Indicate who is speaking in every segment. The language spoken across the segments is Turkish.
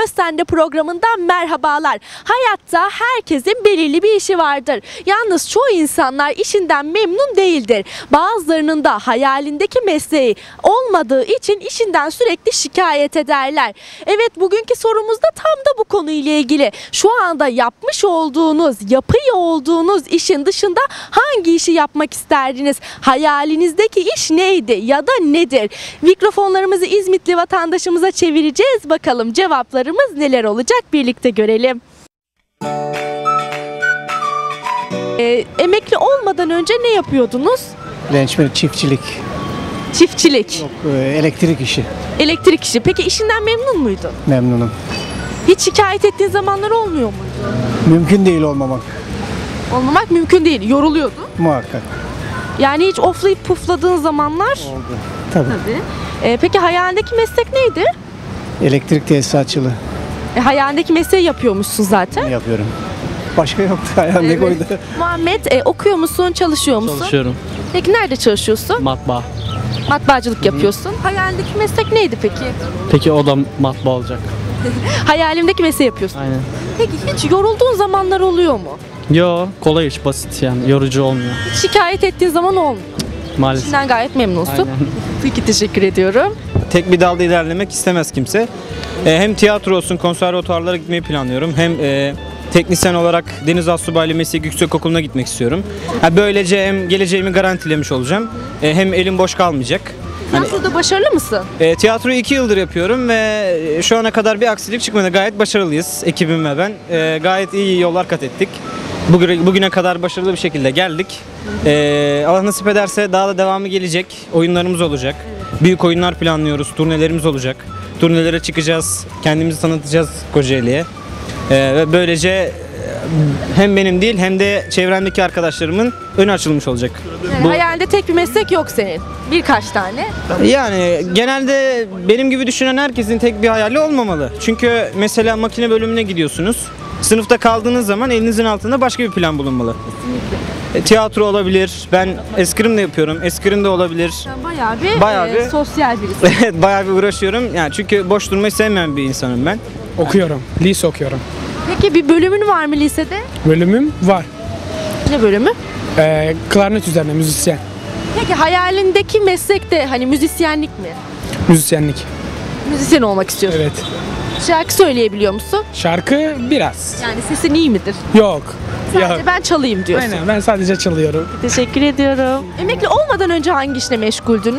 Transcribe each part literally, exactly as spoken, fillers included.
Speaker 1: Söz Sende programından merhabalar. Hayatta herkesin belirli bir işi vardır. Yalnız çoğu insanlar işinden memnun değildir. Bazılarının da hayalindeki mesleği olmadığı için işinden sürekli şikayet ederler. Evet, bugünkü sorumuz da tam da bu konuyla ilgili. Şu anda yapmış olduğunuz, yapıyor olduğunuz işin dışında hangi işi yapmak isterdiniz? Hayalinizdeki iş neydi ya da nedir? Mikrofonlarımızı İzmitli vatandaşımıza çevireceğiz. Bakalım cevaplarımız neler olacak, birlikte görelim. Ee, emekli olmadan önce ne yapıyordunuz?
Speaker 2: Gençmen çiftçilik,
Speaker 1: Çiftçilik,
Speaker 2: yok, e, elektrik işi.
Speaker 1: elektrik işi. Peki işinden memnun muydun?
Speaker 2: Memnunum.
Speaker 1: Hiç şikayet ettiğin zamanlar olmuyor muydu?
Speaker 2: Mümkün değil olmamak,
Speaker 1: Olmamak mümkün değil. Yoruluyordun.
Speaker 2: muhakkak.
Speaker 1: Yani hiç oflayıp pufladığın zamanlar?
Speaker 2: Oldu. Tabii.
Speaker 1: Tabii. Ee, peki hayalindeki meslek neydi?
Speaker 2: Elektrik tesisatçılığı
Speaker 1: E, hayalindeki mesleği yapıyormuşsun zaten.
Speaker 2: yapıyorum. Başka yoktu hayalimde
Speaker 1: Evet.
Speaker 2: koydu.
Speaker 1: Muhammed, e, okuyor musun, çalışıyor musun?
Speaker 3: Çalışıyorum.
Speaker 1: Peki nerede çalışıyorsun?
Speaker 3: Matbaa.
Speaker 1: Matbaacılık yapıyorsun. Hayalindeki meslek neydi peki?
Speaker 3: Peki o da matbaa olacak.
Speaker 1: Hayalimdeki mesleği yapıyorsun.
Speaker 3: Aynen.
Speaker 1: Peki hiç yorulduğun zamanlar oluyor mu?
Speaker 3: Yo, kolay iş, basit yani, yorucu olmuyor
Speaker 1: Hiç şikayet ettiğin zaman olmuyor.
Speaker 3: maalesef.
Speaker 1: İşinden gayet memnunsun.
Speaker 3: Aynen.
Speaker 1: Peki, teşekkür ediyorum.
Speaker 4: Tek bir dalda ilerlemek istemez kimse. E, hem tiyatro olsun, konservatuarlara gitmeyi planlıyorum. Hem e, teknisyen olarak Deniz Astsubaylı Meslek Yüksekokulu'na gitmek istiyorum. Ha, böylece hem geleceğimi garantilemiş olacağım. E, hem elim boş kalmayacak. Hani,
Speaker 1: Tiyatroda başarılı mısın?
Speaker 4: e, tiyatroyu iki yıldır yapıyorum ve şu ana kadar bir aksilik çıkmadı. Gayet başarılıyız, ekibim ve ben. E, gayet iyi yollar kat ettik. Bugüne, bugüne kadar başarılı bir şekilde geldik. E, Allah nasip ederse daha da devamı gelecek. Oyunlarımız olacak. Büyük oyunlar planlıyoruz. Turnelerimiz olacak. Turnelere çıkacağız. Kendimizi tanıtacağız Kocaeli'ye. Ee, ve böylece e, hem benim değil hem de çevremdeki arkadaşlarımın önü açılmış olacak.
Speaker 1: Yani
Speaker 4: Bu-
Speaker 1: hayalinde tek bir meslek yok senin. Birkaç tane.
Speaker 4: Yani genelde benim gibi düşünen herkesin tek bir hayali olmamalı. Çünkü mesela makine bölümüne gidiyorsunuz. Sınıfta kaldığınız zaman elinizin altında başka bir plan bulunmalı. E, tiyatro olabilir. Ben eskrim de yapıyorum. Eskrim de olabilir.
Speaker 1: Sen bayağı bir,
Speaker 4: Bayağı
Speaker 1: e,
Speaker 4: bir-
Speaker 1: sosyal birisi.
Speaker 4: Evet, bayağı bir uğraşıyorum. Yani çünkü boş durmayı sevmeyen bir insanım ben.
Speaker 5: Okuyorum. Lise okuyorum.
Speaker 1: Peki bir bölümün var mı lisede?
Speaker 5: Bölümüm var.
Speaker 1: Ne bölümü?
Speaker 5: Ee, klarnet üzerine müzisyen.
Speaker 1: Peki hayalindeki meslek de hani müzisyenlik mi?
Speaker 5: Müzisyenlik.
Speaker 1: Müzisyen olmak istiyorsun.
Speaker 5: Evet.
Speaker 1: Şarkı söyleyebiliyor musun?
Speaker 5: Şarkı biraz.
Speaker 1: Yani sesin iyi midir?
Speaker 5: Yok.
Speaker 1: Sadece
Speaker 5: Yok.
Speaker 1: ben çalayım diyorsun.
Speaker 5: Aynen, ben sadece çalıyorum.
Speaker 1: Teşekkür ediyorum. Emekli olmadan önce hangi işle meşguldünüz?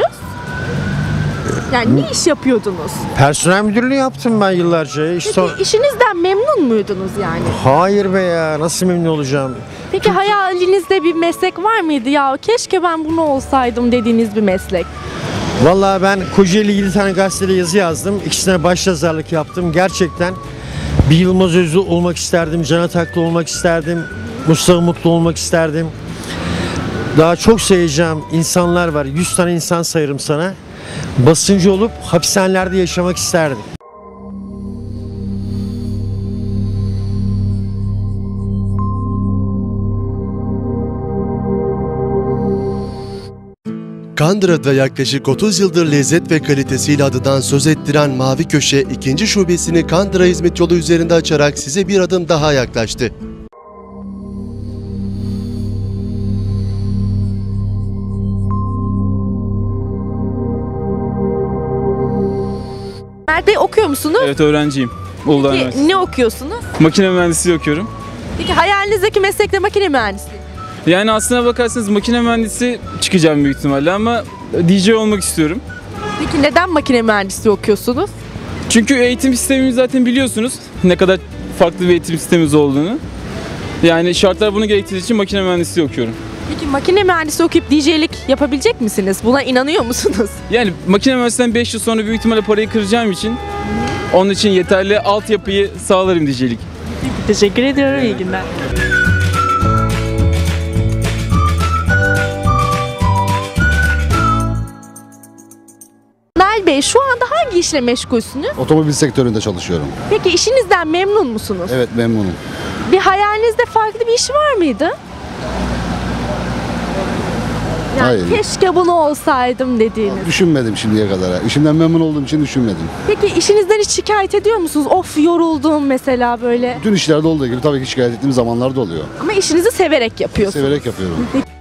Speaker 1: Yani ne iş yapıyordunuz?
Speaker 6: Personel müdürlüğü yaptım ben yıllarca. İş
Speaker 1: Peki
Speaker 6: son...
Speaker 1: işinizden memnun muydunuz yani?
Speaker 6: Hayır be ya, nasıl memnun olacağım?
Speaker 1: Peki hayalinizde bir meslek var mıydı ya? Keşke ben bunu olsaydım dediğiniz bir meslek.
Speaker 6: Vallahi ben Kocaeli yedi tane gazetede yazı yazdım. İkisine başyazarlık yaptım. Gerçekten bir Yılmaz Özlü olmak isterdim, Can Ataklı olmak isterdim, Mustafa Mutlu olmak isterdim. Daha çok sayacağım insanlar var. yüz tane insan sayarım sana. Basıncı olup hapishanelerde yaşamak isterdim.
Speaker 7: Kandıra'da yaklaşık otuz yıldır lezzet ve kalitesiyle adından söz ettiren Mavi Köşe ikinci şubesini Kandıra İzmit yolu üzerinde açarak size bir adım daha yaklaştı.
Speaker 1: Nerede okuyor musunuz?
Speaker 8: Evet, öğrenciyim. Uludağ
Speaker 1: Peki,
Speaker 8: Üniversitesi.
Speaker 1: ne okuyorsunuz?
Speaker 8: Makine mühendisliği okuyorum.
Speaker 1: Peki hayalinizdeki meslek de makine mühendisliği.
Speaker 8: Yani aslına bakarsanız makine mühendisi çıkacağım büyük ihtimalle ama D J olmak istiyorum.
Speaker 1: Peki neden makine mühendisliği okuyorsunuz?
Speaker 8: Çünkü eğitim sistemimiz zaten biliyorsunuz ne kadar farklı bir eğitim sistemimiz olduğunu. Yani şartlar bunu gerektirdiği için makine mühendisliği okuyorum.
Speaker 1: Peki makine mühendisi okuyup D J'lik yapabilecek misiniz? Buna inanıyor musunuz?
Speaker 8: Yani makine mühendisliğinden beş yıl sonra büyük ihtimalle parayı kıracağım için onun için yeterli altyapıyı sağlarım D J'lik.
Speaker 1: Teşekkür ediyorum. İyi günler. Nal Bey, şu anda hangi işle meşgulsünüz?
Speaker 9: Otomobil sektöründe çalışıyorum.
Speaker 1: Peki işinizden memnun musunuz?
Speaker 9: Evet, memnunum.
Speaker 1: Bir hayalinizde farklı bir iş var mıydı? Yani
Speaker 9: Hayır.
Speaker 1: keşke bunu olsaydım dediğiniz.
Speaker 9: Düşünmedim şimdiye kadar. İşimden memnun olduğum için düşünmedim.
Speaker 1: Peki işinizden hiç şikayet ediyor musunuz? Of yoruldum mesela böyle.
Speaker 9: Bütün işlerde olduğu gibi tabii ki şikayet ettiğim zamanlar da oluyor.
Speaker 1: Ama işinizi severek yapıyorsunuz.
Speaker 9: Severek yapıyorum.